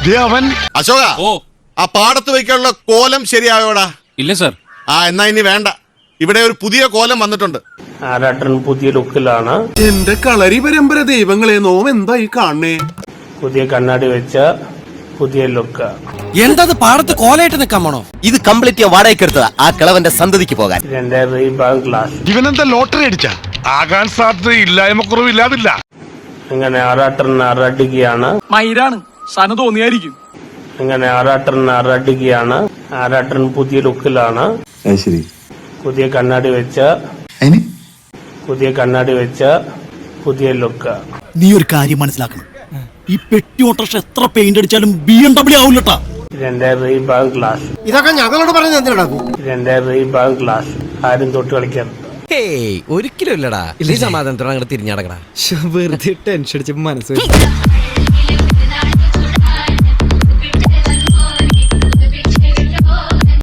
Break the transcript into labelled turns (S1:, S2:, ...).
S1: അവൻ
S2: അശോക,
S3: ഓ
S2: ആ പാടത്ത് വയ്ക്കാനുള്ള കോലം ശരിയായോടാ?
S3: ഇല്ല സർ.
S2: എന്നാ ഇനി വേണ്ട. ഇവിടെ ഒരു പുതിയ കോലം വന്നിട്ടുണ്ട്.
S4: ആരാട്ടൻ പുതിയ ലുക്കിലാണ്.
S1: എന്റെ കളരി പരമ്പര ദൈവങ്ങളെ, നോം എന്തായി കാണണേ?
S4: പുതിയ കണ്ണാടി വെച്ച പുതിയ ലുക്ക്.
S5: എന്തത് പാടത്ത് കോലയിട്ട് നിൽക്കാൻ പോണോ?
S6: ഇത് കംപ്ലീറ്റ് ഞാൻ വാടകയ്ക്ക് എടുത്തതാ, ആ കിളവന്റെ സന്തതിക്ക് പോകാൻ.
S4: ഇതിന്റെ റീബാങ് ഗ്ലാസ്.
S1: ഇവനെന്താ ലോട്ടറി അടിച്ച? ആകാൻ സാധ്യത ഇല്ലായ്മ കുറവില്ലാതില്ല.
S4: ഇങ്ങനെ ആറാട്ടൻ അറടിക്കുകയാണ്.
S3: മയിലാണ് സന തോന്നിയായിരിക്കും.
S4: ഇങ്ങനെ ആറാട്ടൻ അറടിക്കുകയാണ്. ആറാട്ടൻ പുതിയ ലുക്കിലാണ്. പുതിയ കണ്ണാടി വെച്ച പുതിയ ലുക്ക്.
S7: നീ ഒരു കാര്യം മനസ്സിലാക്കണം, ഈ പെട്ടി ഓട്ടോറിക്ഷ എത്ര പെയിന്റ് അടിച്ചാലും BMW ആവില്ലട്ടാ.
S4: ഇതിന്റെ റീബാങ് ഗ്ലാസ്.
S5: ഇതൊക്കെ ഞങ്ങളോട് പറഞ്ഞത് എന്തിനാ?
S4: ഇതിന്റെ റീബാങ് ഗ്ലാസ്. ആരും തൊട്ട് കളിക്കാൻ.
S6: ഒരിക്കലും ഇല്ലടാ. ഈ സമാധാനത്തോടെ അങ്ങോട്ട് തിരിഞ്ഞടക്കടാ.
S5: വെറുതെ ടെൻഷൻ അടിച്ച് മനസ്സ്